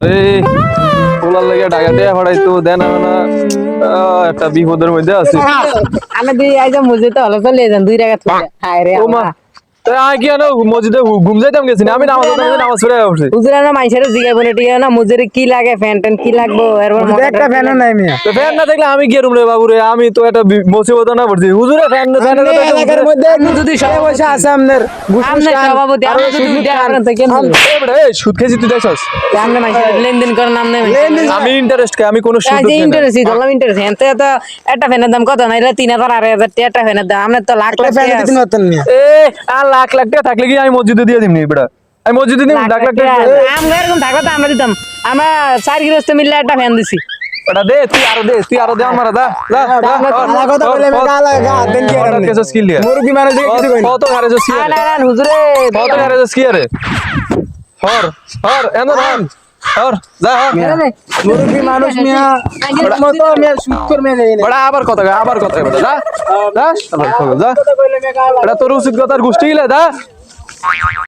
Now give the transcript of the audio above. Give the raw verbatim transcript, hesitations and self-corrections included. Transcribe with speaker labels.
Speaker 1: এই পোলার লাগে ঢাকা দিয়ে পড়াইতো দেন না একটা বিপদের মধ্যে আছে
Speaker 2: আমি দুই আইজা মসজিদে হলো চলে যান দুই টাকা তুলে হায় রে
Speaker 1: ও মা তাই আই কি না মসজিদে ঘুম যাইতাম গেছি আমি নামাজ পড়তে নামাজ পড়ে উঠছি
Speaker 2: হুজুরা না মাইছেরে জিগাই বলে টিয়া না মসজিদে কি লাগে ফ্যান ট্যান কি লাগবো এরপর
Speaker 3: একটা ফ্যান নাই মিয়া
Speaker 1: তো ফ্যান না দেখলে আমি কি রুম রে বাবু রে আমি তো একটা মুসিবত না পড়ছি হুজুরে ফ্যান ফ্যান
Speaker 3: এলাকার মধ্যে
Speaker 2: যদি
Speaker 3: সবাই বসে আছে আপনার
Speaker 2: আমনে সভাপতি আপনি যদি উঠে করেন তো কেন
Speaker 1: এই সুদ খেয়েছি তুই দেখছস
Speaker 2: আমনে মাইছেরে লেনদেন করেন আমনে
Speaker 1: আমি ইন্টারেস্ট খাই আমি কোনো সুদ
Speaker 2: যে ইন্টারেস্ট দিলাম ইন্টারেস্ট এতে তো একটা ফ্যানের দাম কত নাইলে তিন হাজার আড়াই হাজার টাকা একটা ফ্যানের দাম আমনে তো লাখ লাখ
Speaker 3: ফ্যান
Speaker 2: টাকা
Speaker 3: দিতে নতুন মিয়া
Speaker 1: এ আর লাখ লাখ টাকা থাকলে কি আমি মসজিদে দিয়ে দিমনি বেটা আমি মসজিদে দিম লাখ লাখ টাকা
Speaker 2: আমরা এরকম থাকলে তো আমরা দিতাম আমরা চার গৃহস্থ মিললে একটা ফ্যান দিছি
Speaker 1: বেটা দে তুই আরো দে তুই আরো দে আমার দা যা
Speaker 3: আমার কথা বলে আমি গা লাগা দেন কি
Speaker 1: হঠাৎ কেসস কি লিয়া
Speaker 3: মুরগি মানুষ দেখে কিছু কই
Speaker 1: কত গারে জস কি
Speaker 2: না
Speaker 1: আরে
Speaker 2: না হুজুরে
Speaker 1: কত গারে জস কি আরে হর হর এন্দ হর হর যা হর
Speaker 3: মুরগি মানুষ মিয়া মতো মিয়া সুৎকর মিয়া যাই না
Speaker 1: বড়া আবার কথা কয়, আবার কথা কয় বেটা যা যা আবার কথা কয়, যা
Speaker 3: কথা কইলে মিয়া গা লাগা
Speaker 1: এটা তোর উচিত কথার গোষ্ঠী গিলা দা